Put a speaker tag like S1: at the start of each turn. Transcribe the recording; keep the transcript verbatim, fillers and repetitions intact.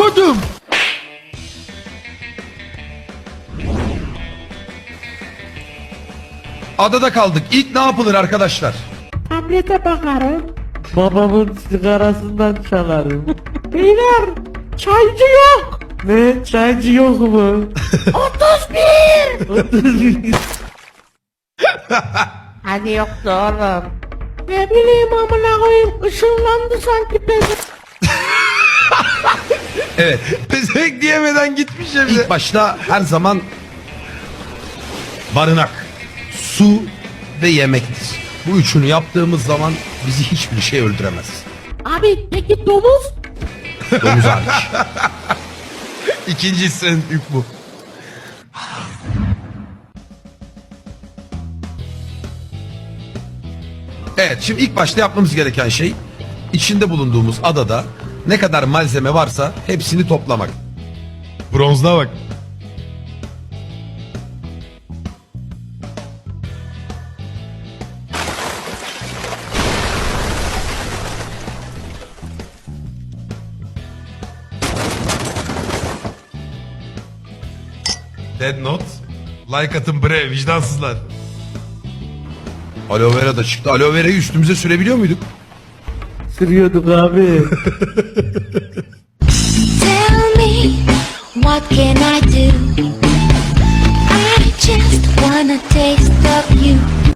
S1: kodum. Adada kaldık. İlk ne yapılır arkadaşlar?
S2: Tablete bakarım.
S3: Babamın sigarasından çalarım.
S2: Beyler çaycı yok.
S3: Ne? Çaycı yok mu?
S2: otuz bir.
S3: otuz bir.
S2: Hani yoktu oğlum. Ne bileyim amına koyayım, ışınlandı sanki ben.
S1: Evet. Pezek diyemeden gitmiş ya bize. İlk başta her zaman barınak, su ve yemektir. Bu üçünü yaptığımız zaman bizi hiçbir şey öldüremez.
S2: Abi peki domuz?
S1: Domuz hariç. İkincisi ilk bu. Evet, şimdi ilk başta yapmamız gereken şey içinde bulunduğumuz adada ne kadar malzeme varsa hepsini toplamak. Bronzluğa bak. Dead Note. Like atın bre vicdansızlar. Aloe vera da çıktı. Aloe vera'yı üstümüze sürebiliyor muyduk?
S3: Sürüyorduk abi.
S4: Tell me, what can I do? I just wanna taste of you.